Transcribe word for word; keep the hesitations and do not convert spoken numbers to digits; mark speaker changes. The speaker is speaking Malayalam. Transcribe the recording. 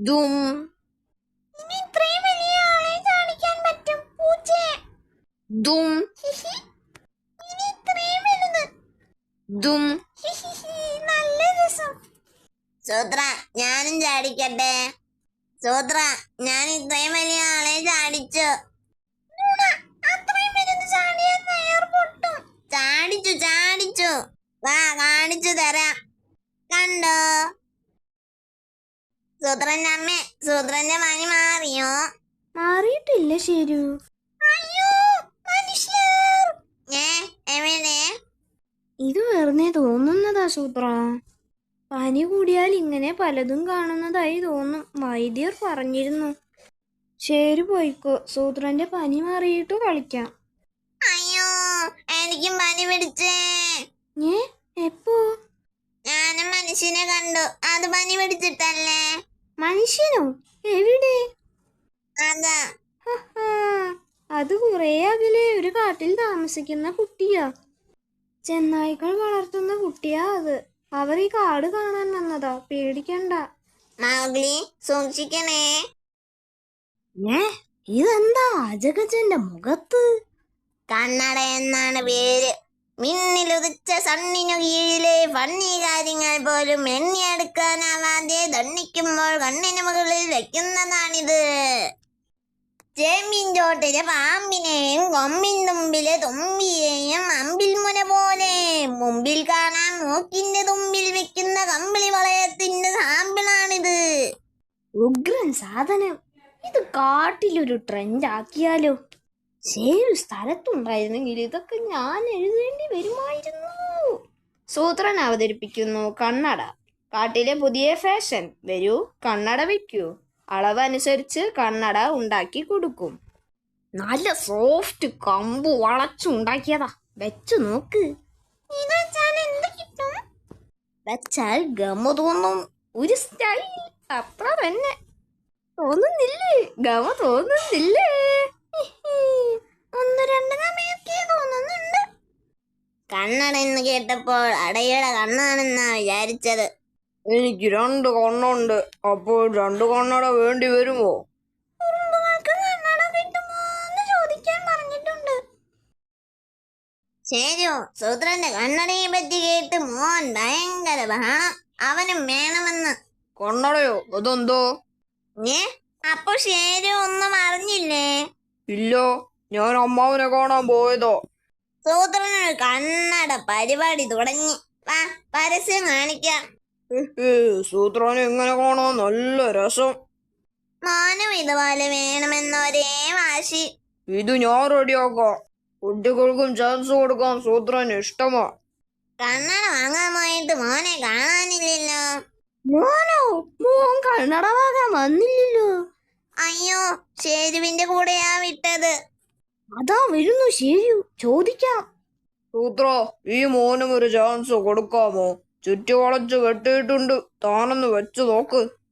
Speaker 1: ദും
Speaker 2: ഇനി ഇത്രയും വലിയ ആളെ കാണിക്കാൻ പറ്റും പൂച്ചയെ.
Speaker 1: ദും
Speaker 2: ഇനി ഇത്രയും വലുത്.
Speaker 1: ദും
Speaker 2: നല്ല രസം.
Speaker 3: സൂത്ര, ഞാനും ചാടിക്കട്ടെ? സൂത്ര, ഞാൻ ഇത്രയും വലിയ ആളെ ചാടിച്ചു.
Speaker 2: അത്രയും വലുത് ചാടിയാൽ വയർ പൊട്ടും.
Speaker 3: ചാടിച്ചു ചാടിച്ചു വാ, കാണിച്ചു തരാം. കണ്ടോ? സൂത്രന്റെ അമ്മേ, സൂത്രന്റെ പനി മാറിയോ?
Speaker 2: മാറിയിട്ടില്ല ശരു. അയ്യോ മനുഷ്യർ.
Speaker 3: ഏ എവിടെ?
Speaker 2: ഇത് വെറുതെ തോന്നുന്നതാ സൂത്ര. പനി കൂടിയാൽ ഇങ്ങനെ പലതും കാണുന്നതായി തോന്നും. വൈദ്യർ പറഞ്ഞിരുന്നു. ശരി പോയിക്കോ, സൂത്രന്റെ പനി മാറിയിട്ട് കളിക്കാം.
Speaker 3: അയ്യോ, എനിക്കും പനി പിടിച്ചേ.
Speaker 2: ഏ എപ്പോ?
Speaker 3: ഞാനും മനുഷ്യനെ കണ്ടു. അത് പനി പിടിച്ചിട്ടല്ലേ?
Speaker 2: മനുഷ്യനോ? എവിടെ?
Speaker 3: അതാ.
Speaker 2: അത് കുറെ അകലെ ഒരു കാട്ടിൽ താമസിക്കുന്ന കുട്ടിയാ. ചെന്നായ്ക്കൾ വളർത്തുന്ന കുട്ടിയാ അത്. അവർ ഈ കാട് കാണാൻ വന്നതാ, പേടിക്കണ്ട.
Speaker 3: മൗഗ്ലി, സൂക്ഷിക്കണേ.
Speaker 2: ഏ ഇതെന്താ അജഗജന്റെ മുഖത്ത്?
Speaker 3: കണ്ണട എന്നാണ് പേര്. മിന്നിലുദിച്ച സണ്ണിനു കീഴിലെ ഫണ്ണി കാര്യങ്ങൾ പോലും എണ്ണിയെടുക്കാനാവാതെ ദണ്ണിക്കുമ്പോൾ കണ്ണിന് മുകളിൽ വെക്കുന്നതാണിത്. ചേമ്പിൻ ചോട്ടിലെ പാമ്പിനെയും കൊമ്പിൻ തുമ്പിലെ തുമ്പിയെയും അമ്പിൽ മുന പോലെ മുമ്പിൽ കാണാൻ മൂക്കിന്റെ തുമ്പിൽ വെക്കുന്ന കമ്പിളി വളയത്തിന്റെ സാമ്പിളാണിത്.
Speaker 2: ഉഗ്രൻ സാധനം. ഇത് കാട്ടിലൊരു ട്രെൻഡ് ആക്കിയാലോ? ശരി സ്ഥലത്തുണ്ടായിരുന്നെങ്കിൽ ഇതൊക്കെ ഞാൻ എഴുതേണ്ടി വരുമായിരുന്നു. സൂത്രൻ അവതരിപ്പിക്കുന്നു കണ്ണട. കാട്ടിലെ പുതിയ ഫാഷൻ. വരൂ, കണ്ണട വെക്കൂ. അളവനുസരിച്ച് കണ്ണട ഉണ്ടാക്കി കൊടുക്കും. നല്ല സോഫ്റ്റ് കമ്പ് വളച്ചുണ്ടാക്കിയതാ. വെച്ചു നോക്ക്.
Speaker 3: ഇത് വെച്ചാൽ എന്ത് കിട്ടും?
Speaker 2: വെച്ചാൽ ഗമ തോന്നും. ഒരു സ്റ്റൈൽ, അത്ര തന്നെ. തോന്നുന്നില്ലേ? ഗമ തോന്നുന്നില്ലേ? ഒന്ന് രണ്ട് ഗമയൊക്കെ തോന്നുന്നുണ്ട്.
Speaker 3: കണ്ണട എന്ന് കേട്ടപ്പോൾ അടയുടെ കണ്ണാണെന്നാ വിചാരിച്ചത്.
Speaker 1: എനിക്ക് രണ്ട് കണ്ണുണ്ട്. അപ്പോൾ രണ്ട് കണ്ണട വേണ്ടി വരുമോ?
Speaker 2: ഉറുമ്പുകൾക്ക് കണ്ണട കിട്ടുമോ എന്ന് ചോദിക്കാൻ പറഞ്ഞിട്ടുണ്ട്.
Speaker 3: ശരിയോ, സൂത്രന്റെ കണ്ണടയെ പറ്റി കേട്ട് മോൻ ഭയങ്കര ബഹളം. അവനും വേണമെന്ന്.
Speaker 1: കണ്ണടയോ? അതെന്തോ?
Speaker 3: ഏ അപ്പൊ ശരി ഒന്നും അറിഞ്ഞില്ലേ?
Speaker 1: ഇല്ല, ഞാൻ അമ്മാവനെ കാണാൻ പോയതോ.
Speaker 3: സൂത്രനൊരു കണ്ണട പരിപാടി തുടങ്ങി. വാ, പരസ്യം കാണിക്കാം.
Speaker 1: സൂത്രനെ എങ്ങനെ കാണാൻ നല്ല രസം.
Speaker 3: മോനും ഇതുപോലെ വേണമെന്ന് ഒരേ വാശി.
Speaker 1: ഇത് ഞാൻ റെഡിയാക്കാം. കുട്ടികൾക്കും ചാൻസ് കൊടുക്കാൻ സൂത്രന് ഇഷ്ടമാ.
Speaker 3: കണ്ണട വാങ്ങാൻ പോയിട്ട് മോനെ കാണാനില്ലല്ലോ.
Speaker 2: മോനോ? മോൻ കണ്ണട വാങ്ങാൻ വന്നില്ലല്ലോ.
Speaker 3: അയ്യോ, ഷേരുവിന്റെ കൂടെയാ വിട്ടത്.
Speaker 2: അതാ വരുന്നു ശരി, ചോദിക്കാം.
Speaker 1: സൂത്ര, ഈ മോനും ഒരു ചാൻസ് കൊടുക്കാമോ? ചുറ്റി വളച്ച് കെട്ടിയിട്ടുണ്ട്, താനൊന്ന് വെച്ചു നോക്ക്.